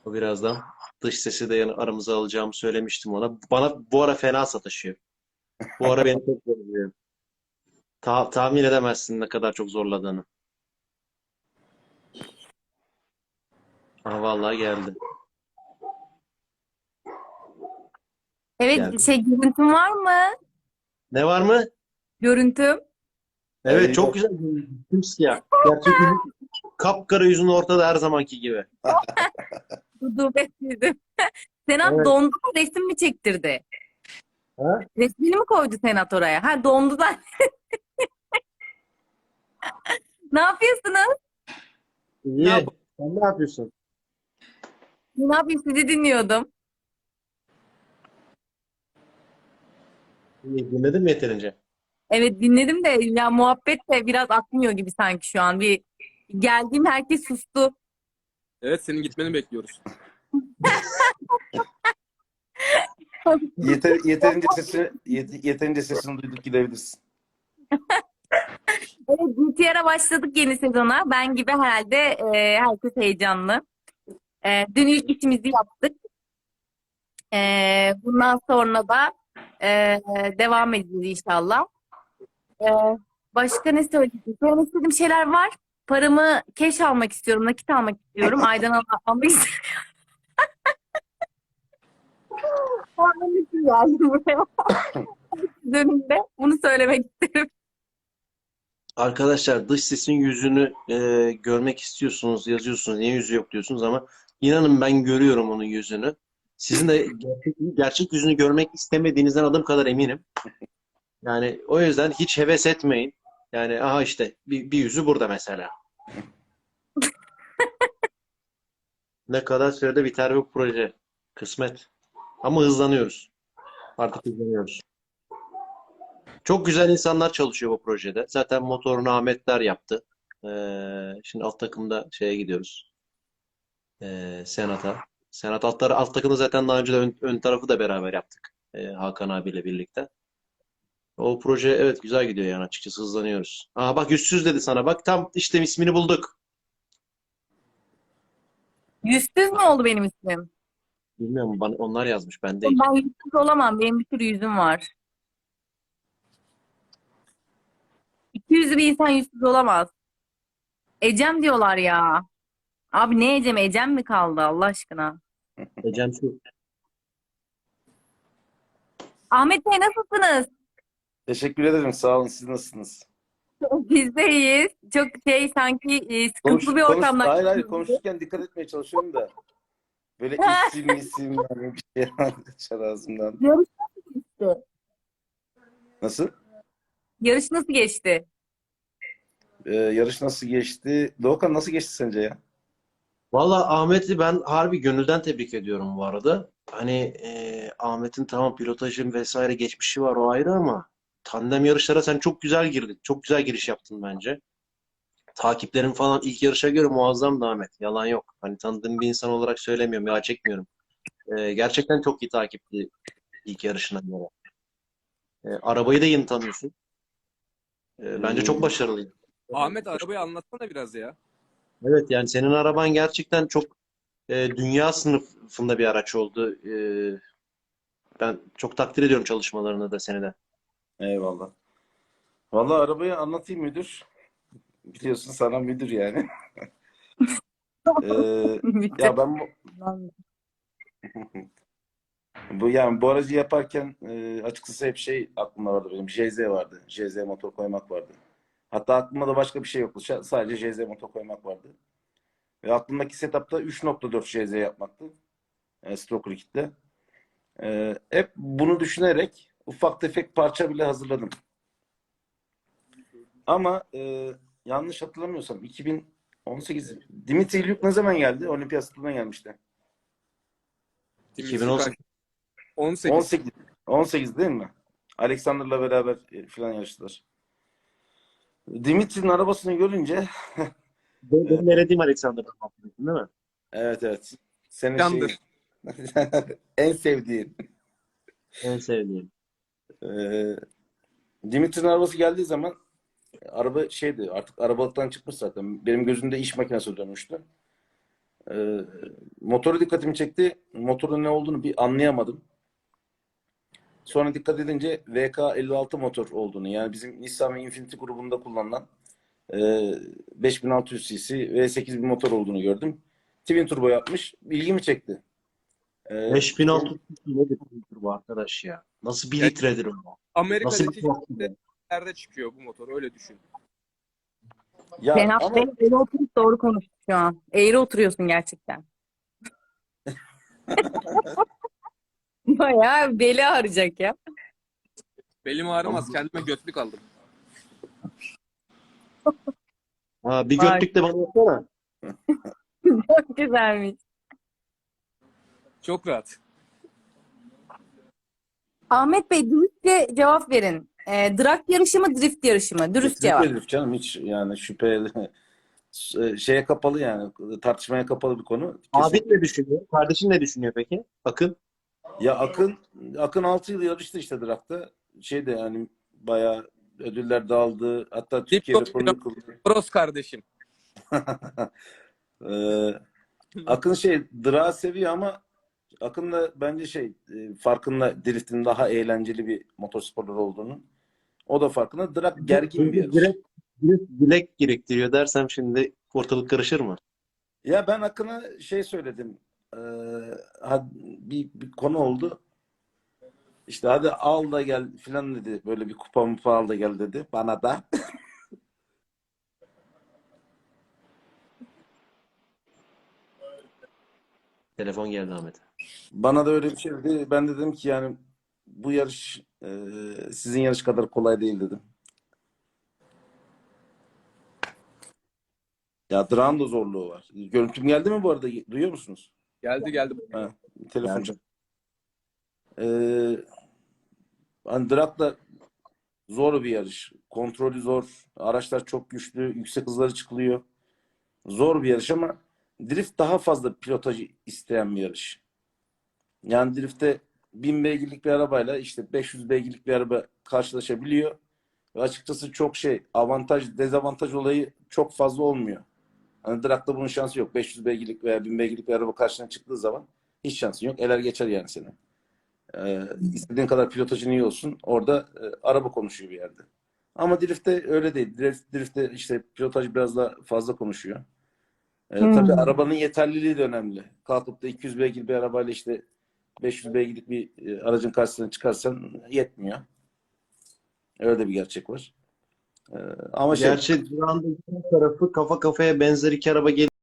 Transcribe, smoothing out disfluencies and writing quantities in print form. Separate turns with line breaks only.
O birazdan dış sesi de aramıza alacağımı söylemiştim ona. Bana bu ara fena sataşıyor. Bu ara beni çok zorluyor. Tahmin edemezsin ne kadar çok zorladığını. Aha vallahi geldi.
Evet,
Geldi.
görüntüm var mı?
Ne var mı?
Görüntüm.
Evet çok
Yok.
güzel. Simsiyah. Gerçek yüzü, kapkara yüzün ortada her zamanki gibi.
Rutubetsizim. Senat
Evet.
dondu mu resim mi çektirdi?
Ha?
Resmini mi koydu Senat oraya? Ha dondu da. Ne yapıyorsunuz?
Ne
İyi.
yapalım?
Sen ne yapıyorsun?
Ne yapayım sizi dinliyordum.
İyi. Dinledin mi yeterince?
Evet dinledim de ya muhabbet de biraz akmıyor gibi sanki şu an. Bir geldiğim herkes sustu.
Evet, senin gitmeni bekliyoruz.
Yeterince sesini duyduk, gidebilirsin.
Evet GTR'a başladık yeni sezona. Ben gibi herhalde herkes heyecanlı. Dün ilk işimizi yaptık. Bundan sonra da e, devam edeceğiz inşallah. E, Başka ne söyleyeyim? Söylemek istediğim şeyler var. Paramı cash almak istiyorum, nakit almak istiyorum. Aydan almak istiyorum. Onun için geldim buraya dönümde. Bunu söylemek isterim.
Arkadaşlar dış sesin yüzünü görmek istiyorsunuz, yazıyorsunuz. Niye yüzü yok diyorsunuz ama inanın ben görüyorum onun yüzünü. Sizin de gerçek yüzünü görmek istemediğinizden adım kadar eminim. Yani o yüzden hiç heves etmeyin. Yani aha işte bir yüzü burada mesela. Ne kadar sürede biter bu proje? Kısmet. Ama hızlanıyoruz. Artık hızlanıyoruz. Çok güzel insanlar çalışıyor bu projede. Zaten motorunu Ahmetler yaptı. Şimdi alt takımda şeye gidiyoruz. Senat'a. Senat alt takımda zaten daha önce de ön tarafı da beraber yaptık. Hakan abiyle birlikte. O proje evet güzel gidiyor yani açıkçası hızlanıyoruz. Aa bak yüzsüz dedi sana. Bak tam işte ismini bulduk.
Yüzsüz mü oldu benim ismim?
Bilmiyorum bana, onlar yazmış ben değil.
Ben yüzsüz olamam. Benim bir sürü yüzüm var. İki yüzlü bir insan yüzsüz olamaz. Ecem diyorlar ya. Abi ne Ecem? Ecem mi kaldı Allah aşkına?
Ecem şu.
Ahmet Bey nasılsınız?
Teşekkür ederim. Sağ olun. Siz nasılsınız?
Biz de iyiyiz. Çok sanki sıkıntılı bir ortamdan
Hayır hayır,
geçiyoruz gibi.
konuşurken dikkat etmeye çalışıyorum da. Böyle isim yani bir şey kaçar ağzımdan.
Yarış nasıl?
Nasıl?
Yarış nasıl geçti?
Yarış nasıl geçti? Doğukan, nasıl geçti sence ya?
Valla Ahmet'i ben harbi gönülden tebrik ediyorum bu arada. Hani Ahmet'in tamam pilotajın vesaire geçmişi var o ayrı ama tandem yarışlara sen çok güzel girdin. Çok güzel giriş yaptın bence. Takiplerin falan ilk yarışa göre muazzamdı Ahmet. Yalan yok. Hani tanıdığım bir insan olarak söylemiyorum ya çekmiyorum. Gerçekten çok iyi takipti ilk yarışına göre. Arabayı da yeni tanıyorsun. Bence çok
Ee,
başarılıydı.
Ahmet, arabayı anlatsana biraz ya.
Evet yani senin araban gerçekten çok dünya sınıfında bir araç oldu. Ben çok takdir ediyorum çalışmalarını da seni de.
Eyvallah. Vallahi arabayı anlatayım müdür. Biliyorsun, sana müdür yani. Ee,
Müthiş.
ya ben bu aracı yaparken açıkçası hep şey aklımda vardı benim. JZ vardı. JZ motor koymak vardı. Hatta aklımda da başka bir şey yoktu. Sadece JZ motor koymak vardı. Ve aklımdaki setupta 3.4 JZ yapmaktı. Stroker kitle. Hep bunu düşünerek ufak tefek parça bile hazırladım. Ama yanlış hatırlamıyorsam 2018 Dimitri İlyuk ne zaman geldi? Olimpiyat stadına gelmişti.
Dimitri kaç?
2018.
18.
18 18 değil mi? Alexander'la beraber falan yarıştılar. Dimitri'nin arabasını görünce
Benim elediğim Alexander'dan bahsediyorsun değil mi?
evet evet. Senin şeyin
Yandır.
en sevdiğin.
En sevdiğim.
Ee, Dimitri'nin arabası geldiği zaman araba şeydi, artık arabalıktan çıkmış zaten. Benim gözümde iş makinesi dönmüştü. Motoru dikkatimi çekti. Motorun ne olduğunu bir anlayamadım. Sonra dikkat edince VK56 motor olduğunu, yani bizim Nissan ve Infiniti grubunda kullanılan 5600 cc V8 bir motor olduğunu gördüm. Twin turbo yapmış. İlgimi çekti.
5600 nedir bu arkadaş ya? Nasıl bir
Ya,
litredir o? Nasıl bir
Amerika'daki
tork?
yerde çıkıyor bu motor, öyle düşün.
Ya
Cenap
ama
Bey eğri oturup doğru konuştu şu an. Eğri oturuyorsun gerçekten. Bayağı beli ağrıyacak ya.
Belim ağrımaz, kendime götlük aldım.
Ha, bir
Vay.
götlük de bana yapsana.
Çok güzelmiş.
Çok rahat.
Ahmet Bey dürüstçe cevap verin. Drag yarışı mı, drift yarışı mı? Dürüst cevap.
kesinlikle canım, hiç yani şüpheli şeye kapalı, yani tartışmaya kapalı bir konu.
Abin ne düşünüyor? Kardeşin ne düşünüyor peki? Akın.
Ya Akın 6 yıl yarıştı işte Drag'da. Şeyde yani bayağı ödüller dağıldı. Hatta Türkiye
Diplo-
rekorunu kırdı.
Bros kardeşim.
Ee, Akın Drag'ı seviyor ama Akın da bence farkında driftin daha eğlenceli bir motorsporlar olduğunu. O da farkında. Drag gergin bir yarış.
Direkt bilek gerektiriyor dersem şimdi ortalık karışır mı?
Ya ben Akın'a söyledim. Ee, bir konu oldu. İşte hadi al da gel filan dedi. Böyle bir kupa mupa al da gel dedi. Bana da.
Telefon geldi Ahmet.
Bana da öyle bir şey dedi. Ben de dedim ki yani bu yarış sizin yarış kadar kolay değil dedim. Ya Drag'ın da zorluğu var. Görüntüm geldi mi bu arada? Duyuyor musunuz?
Geldi.
Ha, telefon
Geldi.
hani Drag da zor bir yarış. Kontrolü zor. Araçlar çok güçlü. Yüksek hızları çıkılıyor. Zor bir yarış ama drift daha fazla pilotajı isteyen bir yarış. Yani driftte 1000 beygirlik bir arabayla işte 500 beygirlik bir araba karşılaşabiliyor. Ve açıkçası çok avantaj, dezavantaj olayı çok fazla olmuyor. Hani drag'da bunun şansı yok. 500 beygirlik veya 1000 beygirlik bir araba karşına çıktığı zaman hiç şansın yok. Eler geçer yani seni. İstediğin kadar pilotajın iyi olsun. Orada araba konuşuyor bir yerde. Ama drift'te öyle değil. Drift'te işte pilotaj biraz daha fazla konuşuyor. Tabii arabanın yeterliliği de önemli. Kalkıp da 200 beygir bir arabayla işte 500 beygirlik bir aracın karşısına çıkarsan yetmiyor. Öyle de bir gerçek var. Ama
Gerçi Duran'da iki tarafı kafa kafaya benzer iki araba